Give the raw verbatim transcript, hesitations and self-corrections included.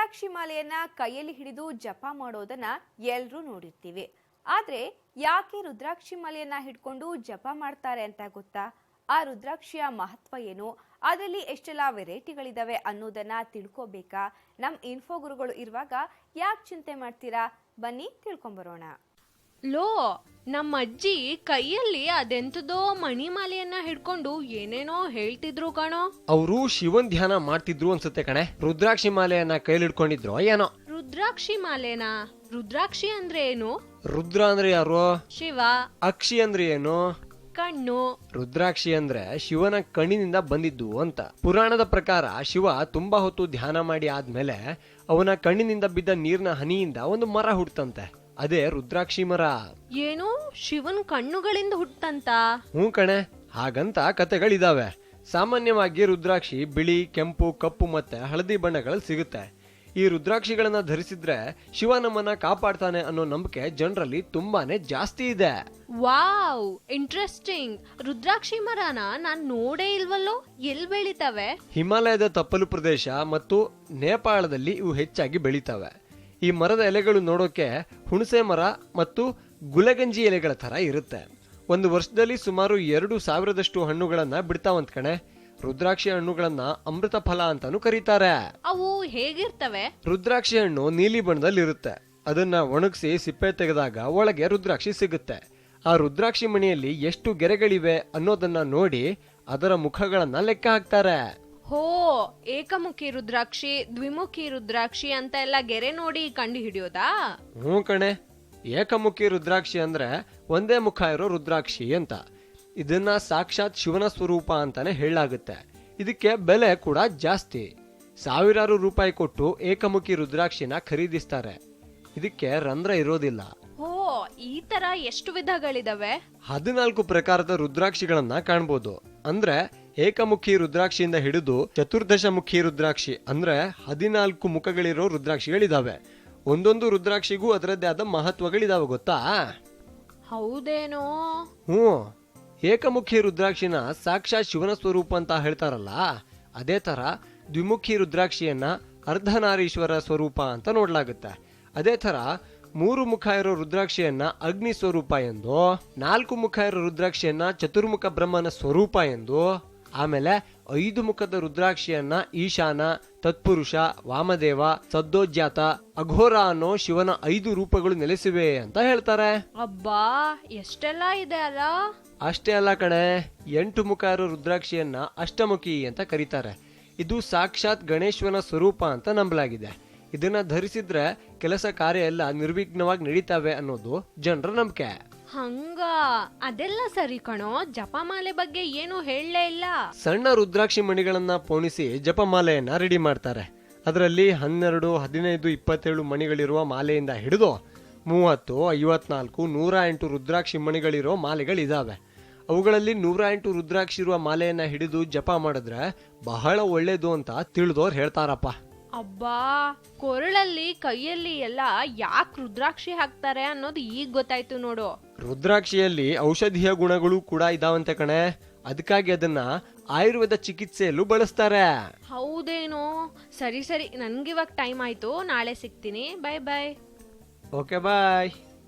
ರುದ್ರಾಕ್ಷಿ ಮಾಲೆಯನ್ನ ಕೈಯಲ್ಲಿ ಹಿಡಿದು ಜಪ ಮಾಡೋದನ್ನ ಎಲ್ಲರೂ ನೋಡಿರ್ತೀವಿ. ಆದ್ರೆ ಯಾಕೆ ರುದ್ರಾಕ್ಷಿ ಮಾಲೆಯನ್ನ ಹಿಡ್ಕೊಂಡು ಜಪ ಮಾಡ್ತಾರೆ ಅಂತ ಗೊತ್ತಾ? ಆ ರುದ್ರಾಕ್ಷಿಯ ಮಹತ್ವ ಏನು, ಅದರಲ್ಲಿ ಎಷ್ಟೆಲ್ಲ ವೆರೈಟಿಗಳಿದಾವೆ ಅನ್ನೋದನ್ನ ತಿಳ್ಕೋಬೇಕಾ? ನಮ್ ಇನ್ಫೋ ಗುರುಗಳು ಇರುವಾಗ ಯಾಕೆ ಚಿಂತೆ ಮಾಡ್ತೀರಾ? ಬನ್ನಿ ತಿಳ್ಕೊಂಬರೋಣ. ಲೋ, ನಮ್ಮ ಅಜ್ಜಿ ಕೈಯಲ್ಲಿ ಅದೆಂತದೋ ಮಣಿಮಾಲೆಯನ್ನ ಹಿಡ್ಕೊಂಡು ಏನೇನೋ ಹೇಳ್ತಿದ್ರು ಕಣೋ. ಅವರು ಶಿವನ್ ಧ್ಯಾನ ಮಾಡ್ತಿದ್ರು ಅನ್ಸುತ್ತೆ ಕಣೆ. ರುದ್ರಾಕ್ಷಿ ಮಾಲೆಯನ್ನ ಕೈಲಿ ಹಿಡ್ಕೊಂಡಿದ್ರು ಏನೋ. ರುದ್ರಾಕ್ಷಿ ಮಾಲೆನಾ? ರುದ್ರಾಕ್ಷಿ ಅಂದ್ರೆ ಏನು? ರುದ್ರ ಅಂದ್ರೆ ಯಾರು? ಶಿವ. ಅಕ್ಷಿ ಅಂದ್ರೆ ಏನು? ಕಣ್ಣು. ರುದ್ರಾಕ್ಷಿ ಅಂದ್ರೆ ಶಿವನ ಕಣ್ಣಿನಿಂದ ಬಂದಿದ್ದು ಅಂತ. ಪುರಾಣದ ಪ್ರಕಾರ ಶಿವ ತುಂಬಾ ಹೊತ್ತು ಧ್ಯಾನ ಮಾಡಿ ಆದ್ಮೇಲೆ ಅವನ ಕಣ್ಣಿನಿಂದ ಬಿದ್ದ ನೀರಿನ ಹನಿಯಿಂದ ಒಂದು ಮರ ಹುಟ್ಟಂತೆ. ಅದೇ ರುದ್ರಾಕ್ಷಿ ಮರ. ಏನು, ಶಿವನ್ ಕಣ್ಣುಗಳಿಂದ ಹುಟ್ಟಂತ? ಹ್ಞೂ ಕಣೆ, ಹಾಗಂತ ಕತೆಗಳಿದಾವೆ. ಸಾಮಾನ್ಯವಾಗಿ ರುದ್ರಾಕ್ಷಿ ಬಿಳಿ, ಕೆಂಪು, ಕಪ್ಪು ಮತ್ತೆ ಹಳದಿ ಬಣ್ಣಗಳಲ್ಲಿ ಸಿಗುತ್ತೆ. ಈ ರುದ್ರಾಕ್ಷಿಗಳನ್ನ ಧರಿಸಿದ್ರೆ ಶಿವ ನಮ್ಮನ್ನ ಕಾಪಾಡ್ತಾನೆ ಅನ್ನೋ ನಂಬಿಕೆ ಜನರಲ್ಲಿ ತುಂಬಾನೇ ಜಾಸ್ತಿ ಇದೆ. Wow, interesting. ರುದ್ರಾಕ್ಷಿ ಮರನ ನಾನ್ ನೋಡೇ ಇಲ್ವಲ್ಲೋ. ಎಲ್ ಬೆಳಿತವೆ? ಹಿಮಾಲಯದ ತಪ್ಪಲು ಪ್ರದೇಶ ಮತ್ತು ನೇಪಾಳದಲ್ಲಿ ಇವು ಹೆಚ್ಚಾಗಿ ಬೆಳಿತವೆ. ಈ ಮರದ ಎಲೆಗಳು ನೋಡೋಕೆ ಹುಣಸೆ ಮರ ಮತ್ತು ಗುಲಗಂಜಿ ಎಲೆಗಳ ತರ ಇರುತ್ತೆ. ಒಂದು ವರ್ಷದಲ್ಲಿ ಸುಮಾರು ಎರಡು ಸಾವಿರದಷ್ಟು ಹಣ್ಣುಗಳನ್ನ ಬಿಡ್ತಾವಂತ ಕಣೆ. ರುದ್ರಾಕ್ಷಿ ಹಣ್ಣುಗಳನ್ನ ಅಮೃತ ಫಲ ಅಂತಾನು ಕರೀತಾರೆ. ಅವು ಹೇಗಿರ್ತವೆ? ರುದ್ರಾಕ್ಷಿ ಹಣ್ಣು ನೀಲಿ ಬಣ್ಣದಲ್ಲಿ ಇರುತ್ತೆ. ಅದನ್ನ ಒಣಗಿಸಿ ಸಿಪ್ಪೆ ತೆಗೆದಾಗ ಒಳಗೆ ರುದ್ರಾಕ್ಷಿ ಸಿಗುತ್ತೆ. ಆ ರುದ್ರಾಕ್ಷಿ ಮಣಿಯಲ್ಲಿ ಎಷ್ಟು ಗೆರೆಗಳಿವೆ ಅನ್ನೋದನ್ನ ನೋಡಿ ಅದರ ಮುಖಗಳನ್ನ ಲೆಕ್ಕ ಹಾಕ್ತಾರೆ. ಹೋ, ಏಕಮುಖಿ ರುದ್ರಾಕ್ಷಿ, ದ್ವಿಮುಖಿ ರುದ್ರಾಕ್ಷಿ ಅಂತ ಎಲ್ಲ ಗೆರೆ ನೋಡಿ ಕಂಡು ಹಿಡಿಯೋದಾ? ಹ್ಞೂ ಕಣೆ, ಏಕಮುಖಿ ರುದ್ರಾಕ್ಷಿ ಅಂದ್ರೆ ಒಂದೇ ಮುಖ ಇರೋ ರುದ್ರಾಕ್ಷಿ ಅಂತ. ಇದನ್ನ ಸಾಕ್ಷಾತ್ ಶಿವನ ಸ್ವರೂಪ ಅಂತಾನೆ ಹೇಳಲಾಗುತ್ತೆ. ಇದಕ್ಕೆ ಬೆಲೆ ಕೂಡ ಜಾಸ್ತಿ. ಸಾವಿರಾರು ರೂಪಾಯಿ ಕೊಟ್ಟು ಏಕಮುಖಿ ರುದ್ರಾಕ್ಷಿನ ಖರೀದಿಸ್ತಾರೆ. ಇದಕ್ಕೆ ರಂಧ್ರ ಇರೋದಿಲ್ಲ. ಹೋ, ಈ ತರ ಎಷ್ಟು ವಿಧಗಳಿದಾವೆ? ಹದಿನಾಲ್ಕು ಪ್ರಕಾರದ ರುದ್ರಾಕ್ಷಿಗಳನ್ನ ಕಾಣ್ಬೋದು. ಅಂದ್ರೆ ಏಕಮುಖಿ ರುದ್ರಾಕ್ಷಿಯಿಂದ ಹಿಡಿದು ಚತುರ್ದಶ ಮುಖಿ ರುದ್ರಾಕ್ಷಿ ಅಂದ್ರೆ ಹದಿನಾಲ್ಕು ಮುಖಗಳಿರೋ ರುದ್ರಾಕ್ಷಿಗಳಿದಾವೆ. ಒಂದೊಂದು ರುದ್ರಾಕ್ಷಿಗೂ ಅದರದ್ದೇ ಆದ ಮಹತ್ವಗಳಿದಾವೆ, ಗೊತ್ತಾ? ಹೌದೇನೋ? ಹ್ಞೂ, ಏಕಮುಖಿ ರುದ್ರಾಕ್ಷಿನ ಸಾಕ್ಷಾತ್ ಶಿವನ ಸ್ವರೂಪ ಅಂತ ಹೇಳ್ತಾರಲ್ಲ, ಅದೇ ತರ ದ್ವಿಮುಖಿ ರುದ್ರಾಕ್ಷಿಯನ್ನ ಅರ್ಧನಾರೀಶ್ವರ ಸ್ವರೂಪ ಅಂತ ನೋಡ್ಲಾಗುತ್ತೆ. ಅದೇ ತರ ಮೂರು ಮುಖ ಇರೋ ರುದ್ರಾಕ್ಷಿಯನ್ನ ಅಗ್ನಿ ಸ್ವರೂಪ ಎಂದು, ನಾಲ್ಕು ಮುಖ ಇರೋ ರುದ್ರಾಕ್ಷಿಯನ್ನ ಚತುರ್ಮುಖ ಬ್ರಹ್ಮನ ಸ್ವರೂಪ ಎಂದು, ಆಮೇಲೆ ಐದು ಮುಖದ ರುದ್ರಾಕ್ಷಿಯನ್ನ ಈಶಾನ, ತತ್ಪುರುಷ, ವಾಮದೇವ, ಸದ್ದೋಜ್ಜಾತ, ಅಘೋರ ಅನ್ನೋ ಶಿವನ ಐದು ರೂಪಗಳು ನೆಲೆಸಿವೆ ಅಂತ ಹೇಳ್ತಾರೆ. ಅಬ್ಬಾ, ಎಷ್ಟೆಲ್ಲ ಇದೆ ಅಲ್ಲ. ಅಷ್ಟೇ ಅಲ್ಲ ಕಣೆ, ಎಂಟು ಮುಖ ಇರೋ ರುದ್ರಾಕ್ಷಿಯನ್ನ ಅಷ್ಟಮುಖಿ ಅಂತ ಕರೀತಾರೆ. ಇದು ಸಾಕ್ಷಾತ್ ಗಣೇಶ್ವರನ ಸ್ವರೂಪ ಅಂತ ನಂಬಲಾಗಿದೆ. ಇದನ್ನ ಧರಿಸಿದ್ರೆ ಕೆಲಸ ಕಾರ್ಯ ಎಲ್ಲ ನಿರ್ವಿಘ್ನವಾಗಿ ನಡೀತಾವೆ ಅನ್ನೋದು ಜನರ ನಂಬಿಕೆ. ಹಂಗ, ಅದೆಲ್ಲ ಸರಿ ಕಣೋ. ಜಪಮಾಲೆ ಬಗ್ಗೆ ಏನು ಹೇಳಲೇ ಇಲ್ಲ. ಸಣ್ಣ ರುದ್ರಾಕ್ಷಿ ಮಣಿಗಳನ್ನ ಪೋಣಿಸಿ ಜಪಮಾಲೆಯನ್ನ ರೆಡಿ ಮಾಡ್ತಾರೆ. ಅದರಲ್ಲಿ ಹನ್ನೆರಡು, ಹದಿನೈದು, ಇಪ್ಪತ್ತೇಳು ಮಣಿಗಳಿರುವ ಮಾಲೆಯಿಂದ ಹಿಡಿದು ಮೂವತ್ತು, ಐವತ್ನಾಲ್ಕು, ನೂರ ಎಂಟು ರುದ್ರಾಕ್ಷಿ ಮಣಿಗಳಿರೋ ಮಾಲೆಗಳಿದಾವೆ. ಅವುಗಳಲ್ಲಿ ನೂರ ಎಂಟು ರುದ್ರಾಕ್ಷಿ ಇರುವ ಮಾಲೆಯನ್ನ ಹಿಡಿದು ಜಪ ಮಾಡಿದ್ರೆ ಬಹಳ ಒಳ್ಳೇದು ಅಂತ ತಿಳಿದೋರ್ ಹೇಳ್ತಾರಪ್ಪ. ಅಬ್ಬಾ, ಕೊರಳಲ್ಲಿ ಕೈಯಲ್ಲಿ ಎಲ್ಲ ಯಾಕೆ ರುದ್ರಾಕ್ಷಿ ಹಾಕ್ತಾರೆ ಅನ್ನೋದು ಈಗ ಗೊತ್ತಾಯ್ತು ನೋಡು. ರುದ್ರಾಕ್ಷಿಯಲ್ಲಿ ಔಷಧೀಯ ಗುಣಗಳು ಕೂಡ ಇದಾವಂತೆ ಕಣೆ. ಅದಕ್ಕಾಗಿ ಅದನ್ನ ಆಯುರ್ವೇದ ಚಿಕಿತ್ಸೆಯಲ್ಲೂ ಬಳಸ್ತಾರೆ. ಹೌದೇನೋ? ಸರಿ ಸರಿ, ನನ್ಗಿವಾಗ ಟೈಮ್ ಆಯ್ತು. ನಾಳೆ ಸಿಗ್ತೀನಿ. Bye bye. ಓಕೆ ಬಾಯ್.